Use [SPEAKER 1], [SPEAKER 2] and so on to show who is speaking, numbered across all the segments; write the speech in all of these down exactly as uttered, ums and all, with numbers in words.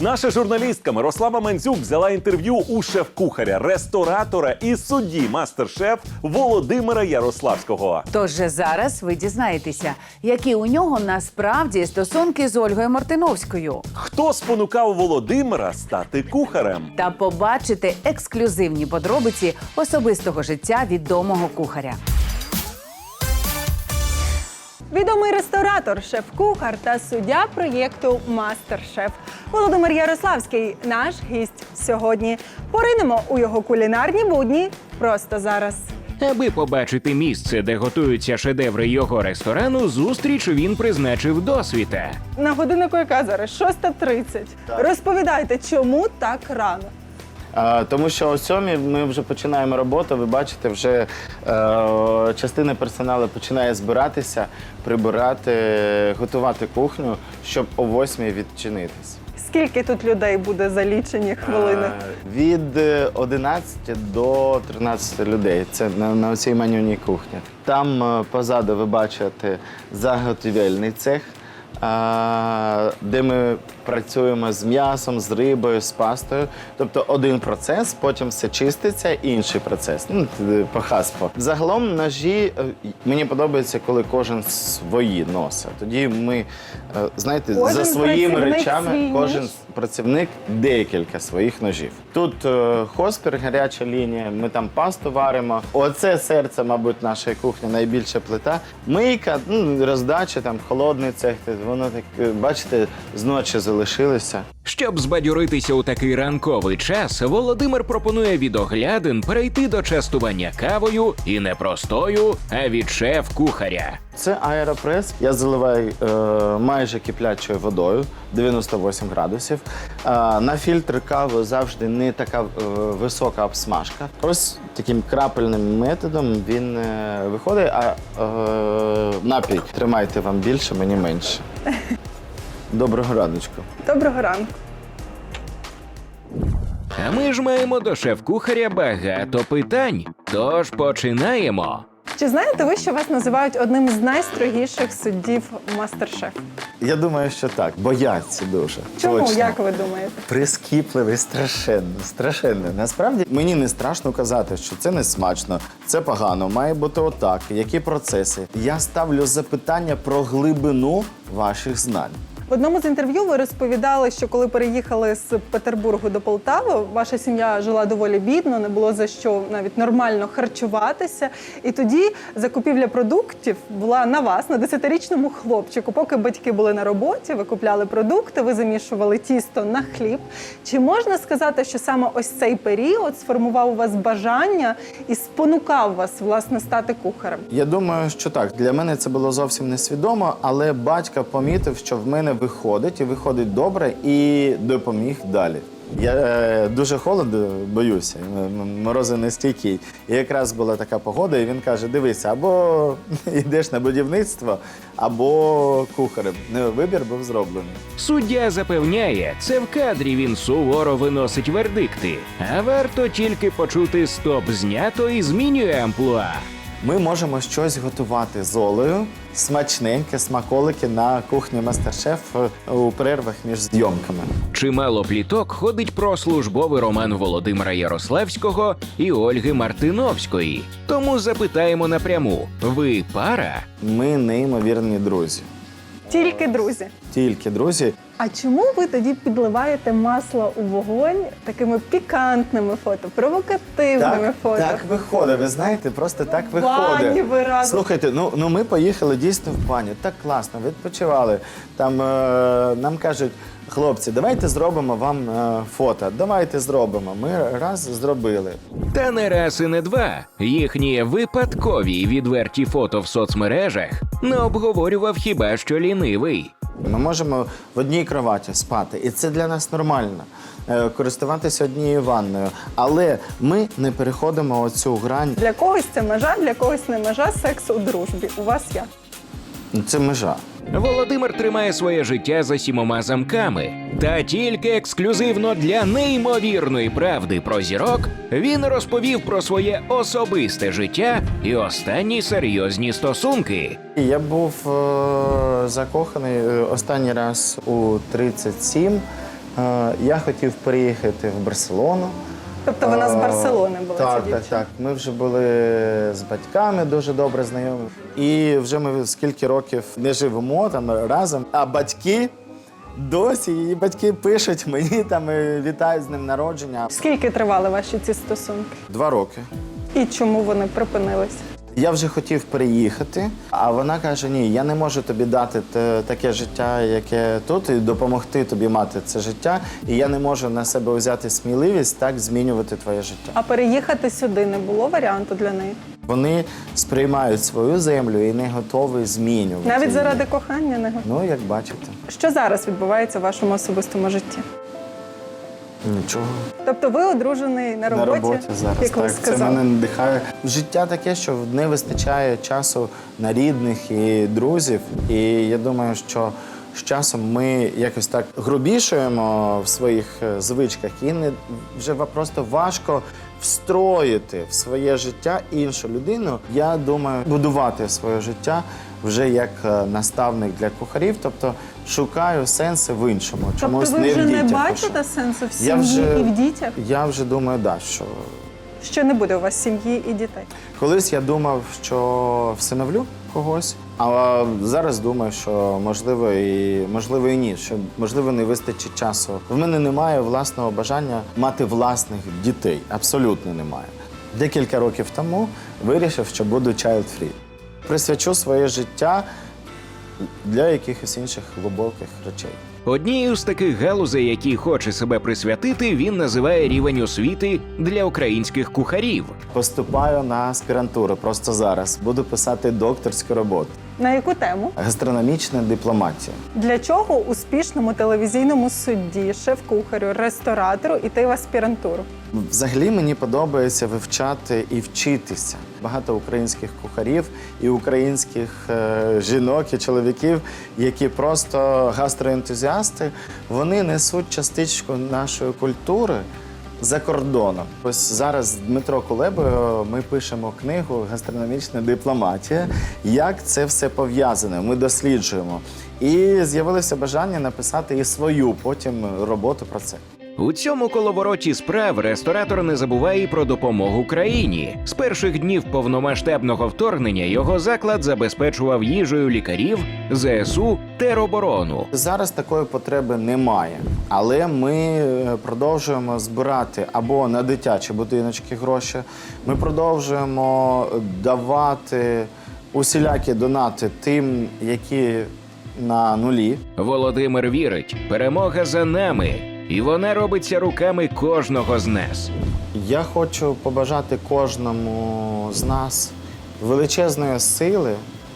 [SPEAKER 1] Наша журналістка Мирослава Мандзюк взяла інтерв'ю у шеф-кухаря, ресторатора і судді мастер-шеф Володимира Ярославського.
[SPEAKER 2] Тож же зараз ви дізнаєтеся, які у нього насправді стосунки з Ольгою Мартиновською.
[SPEAKER 1] Хто спонукав Володимира стати кухарем?
[SPEAKER 2] Та побачите ексклюзивні подробиці особистого життя відомого кухаря.
[SPEAKER 3] Відомий ресторатор, шеф-кухар та суддя проєкту «Мастер-шеф» Володимир Ярославський – наш гість сьогодні. Поринемо у його кулінарні будні просто зараз.
[SPEAKER 4] Аби побачити місце, де готуються шедеври його ресторану, зустріч він призначив досвіта.
[SPEAKER 3] На годиннику яка зараз? шоста тридцять. Розповідайте, чому так рано?
[SPEAKER 5] А, тому що о сьомій ми вже починаємо роботу, ви бачите, вже е, частина персоналу починає збиратися, прибирати, готувати кухню, щоб о восьмій відчинитись.
[SPEAKER 3] Скільки тут людей буде за лічені хвилини?
[SPEAKER 5] Е, від одинадцяти до тринадцяти людей. Це на, на цій менюній кухні. Там е, позаду ви бачите заготівельний цех, е, де ми працюємо з м'ясом, з рибою, з пастою. Тобто один процес, потім все чиститься, інший процес. Ну, по хаспо. Загалом ножі, мені подобається, коли кожен свої носить. Тоді ми, знаєте,
[SPEAKER 3] Кожен
[SPEAKER 5] за своїми
[SPEAKER 3] працівник
[SPEAKER 5] речами,
[SPEAKER 3] свій
[SPEAKER 5] кожен
[SPEAKER 3] ніж?
[SPEAKER 5] працівник декілька своїх ножів. Тут е, хоспір, гаряча лінія, ми там пасту варимо. Оце серце, мабуть, нашої кухні, найбільша плита. Мийка, ну, роздача, там, холодний цех, воно так, бачите, зночі залишилося.
[SPEAKER 4] Щоб збадьоритися у такий ранковий час, Володимир пропонує від оглядин перейти до частування кавою і не простою, а від шеф-кухаря.
[SPEAKER 5] Це аеропрес. Я заливаю е, майже киплячою водою, дев'яносто вісім градусів. Е, на фільтр кави завжди не така е, висока обсмажка. Ось таким крапельним методом він е, виходить, а е, напій тримайте вам більше, мені менше. Доброго раночку.
[SPEAKER 3] Доброго ранку.
[SPEAKER 4] А ми ж маємо до шеф-кухаря багато питань. Тож починаємо.
[SPEAKER 3] Чи знаєте ви, що вас називають одним з найстрогіших суддів «Мастер-шеф»?
[SPEAKER 5] Я думаю, що так. Бояться дуже.
[SPEAKER 3] Чому,
[SPEAKER 5] Точно.
[SPEAKER 3] як ви думаєте?
[SPEAKER 5] Прискіпливий, страшенно, страшенно. Насправді мені не страшно казати, що це не смачно, це погано, має бути отак, які процеси. Я ставлю запитання про глибину ваших знань.
[SPEAKER 3] В одному з інтерв'ю ви розповідали, що коли переїхали з Петербургу до Полтави, ваша сім'я жила доволі бідно, не було за що навіть нормально харчуватися. І тоді закупівля продуктів була на вас, на десятирічному хлопчику. Поки батьки були на роботі, ви купляли продукти, ви замішували тісто на хліб. Чи можна сказати, що саме ось цей період сформував у вас бажання і спонукав вас, власне, стати кухарем?
[SPEAKER 5] Я думаю, що так. Для мене це було зовсім несвідомо, але батько помітив, що в мене виходить, і виходить добре, і допоміг далі. Я е, дуже холоду боюся, м- морози нестійкі. І якраз була така погода, і він каже, дивися, або йдеш на будівництво, або кухарем. Ну, вибір був зроблений.
[SPEAKER 4] Суддя запевняє, це в кадрі він суворо виносить вердикти. А варто тільки почути «стоп, знято» і змінює амплуа.
[SPEAKER 5] Ми можемо щось готувати з Олею, смачненьке, смаколики на кухні «Мастер-шеф» у перервах між зйомками.
[SPEAKER 4] Чимало пліток ходить про службовий роман Володимира Ярославського і Ольги Мартиновської. Тому запитаємо напряму – ви пара?
[SPEAKER 5] Ми неймовірні друзі.
[SPEAKER 3] Тільки друзі.
[SPEAKER 5] Тільки друзі.
[SPEAKER 3] А чому ви тоді підливаєте масло у вогонь такими пікантними фото, провокативними фото?
[SPEAKER 5] так виходить, ви знаєте, просто так
[SPEAKER 3] В бані
[SPEAKER 5] виходить.
[SPEAKER 3] ви разом.
[SPEAKER 5] Слухайте, ну, ну ми поїхали дійсно в баню, так класно, відпочивали. Там е, нам кажуть, хлопці, давайте зробимо вам е, фото, давайте зробимо. Ми раз зробили.
[SPEAKER 4] Та не раз і не два. Їхні випадкові й відверті фото в соцмережах не обговорював хіба що лінивий.
[SPEAKER 5] Ми можемо в одній кроваті спати, і це для нас нормально. Е, користуватися однією ванною. Але ми не переходимо оцю грань.
[SPEAKER 3] Для когось це межа, для когось не межа, секс у дружбі. У вас як?
[SPEAKER 5] Це межа.
[SPEAKER 4] Володимир тримає своє життя за сімома замками. Та тільки ексклюзивно для неймовірної правди про зірок він розповів про своє особисте життя і останні серйозні стосунки.
[SPEAKER 5] Я був е, закоханий е, останній раз у тридцять сім. Е, Я хотів переїхати в Барселону.
[SPEAKER 3] Тобто вона з Барселони була, ця
[SPEAKER 5] Так, так,
[SPEAKER 3] дівчина?
[SPEAKER 5] так. Ми вже були з батьками дуже добре знайомі. І вже ми скільки років не живемо там разом, а батьки досі, її батьки пишуть мені там і вітають з ним народження.
[SPEAKER 3] Скільки тривали ваші ці стосунки?
[SPEAKER 5] Два роки.
[SPEAKER 3] І чому вони припинилися?
[SPEAKER 5] Я вже хотів переїхати, а вона каже: ні, я не можу тобі дати те- таке життя, яке тут, і допомогти тобі мати це життя. І я не можу на себе взяти сміливість так змінювати твоє життя.
[SPEAKER 3] А переїхати сюди не було варіанту для неї?
[SPEAKER 5] Вони сприймають свою землю і не готові змінювати.
[SPEAKER 3] Навіть
[SPEAKER 5] її.
[SPEAKER 3] заради кохання не готові?
[SPEAKER 5] Ну, як бачите,
[SPEAKER 3] Що зараз відбувається в вашому особистому житті?
[SPEAKER 5] нічого.
[SPEAKER 3] Тобто ви одружений на роботі,
[SPEAKER 5] На роботі зараз.
[SPEAKER 3] як ви
[SPEAKER 5] Так, це
[SPEAKER 3] сказали?
[SPEAKER 5] мене надихає. Життя таке, що не вистачає часу на рідних і друзів. І я думаю, що з часом ми якось так грубішуємо в своїх е, звичках, і не вже ва- просто важко встроїти в своє життя іншу людину. Я думаю, будувати своє життя вже як е, наставник для кухарів, тобто шукаю сенси в іншому. Чомусь
[SPEAKER 3] Тобто ви
[SPEAKER 5] не
[SPEAKER 3] вже
[SPEAKER 5] в
[SPEAKER 3] не
[SPEAKER 5] дітях
[SPEAKER 3] бачите
[SPEAKER 5] пишу.
[SPEAKER 3] сенсу в
[SPEAKER 5] Я
[SPEAKER 3] сім'ї
[SPEAKER 5] вже-
[SPEAKER 3] і в дітях?
[SPEAKER 5] Я вже думаю, да, що
[SPEAKER 3] Що не буде у вас сім'ї і дітей?
[SPEAKER 5] колись я думав, що всиновлю когось, а зараз думаю, що можливо і можливо і ні, що можливо не вистачить часу. В мене немає власного бажання мати власних дітей. Абсолютно немає. Декілька років тому вирішив, що буду child-free. Присвячу своє життя для якихось інших глибоких речей.
[SPEAKER 4] Однією з таких галузей, які хоче себе присвятити, він називає рівень освіти для українських кухарів.
[SPEAKER 5] Поступаю на аспірантуру просто зараз. Буду писати докторську роботу.
[SPEAKER 3] На яку тему?
[SPEAKER 5] Гастрономічна дипломатія.
[SPEAKER 3] Для чого успішному телевізійному судді, шеф-кухарю, ресторатору іти в аспірантуру?
[SPEAKER 5] Взагалі мені подобається вивчати і вчитися. Багато українських кухарів і українських е, жінок і чоловіків, які просто гастроентузіасти, вони несуть частичку нашої культури за кордоном. Ось зараз з Дмитро Кулебою ми пишемо книгу «Гастрономічна дипломатія». Як це все пов'язане? Ми досліджуємо. І з'явилося бажання написати і свою потім роботу про це.
[SPEAKER 4] У цьому коловороті справ ресторатор не забуває і про допомогу країні. З перших днів повномасштабного вторгнення його заклад забезпечував їжею лікарів, ЗСУ, тероборону.
[SPEAKER 5] Зараз такої потреби немає, але ми е, продовжуємо збирати або на дитячі будиночки гроші, ми продовжуємо давати усілякі донати тим, які на нулі.
[SPEAKER 4] Володимир вірить, перемога за нами, і вона робиться руками кожного з нас.
[SPEAKER 5] Я хочу побажати кожному з нас величезної сили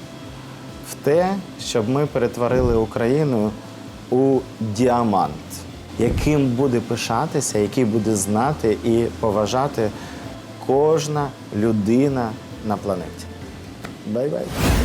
[SPEAKER 5] в те, щоб ми перетворили Україну у діамант, яким буде пишатися, який буде знати і поважати кожна людина на планеті. Бай-бай!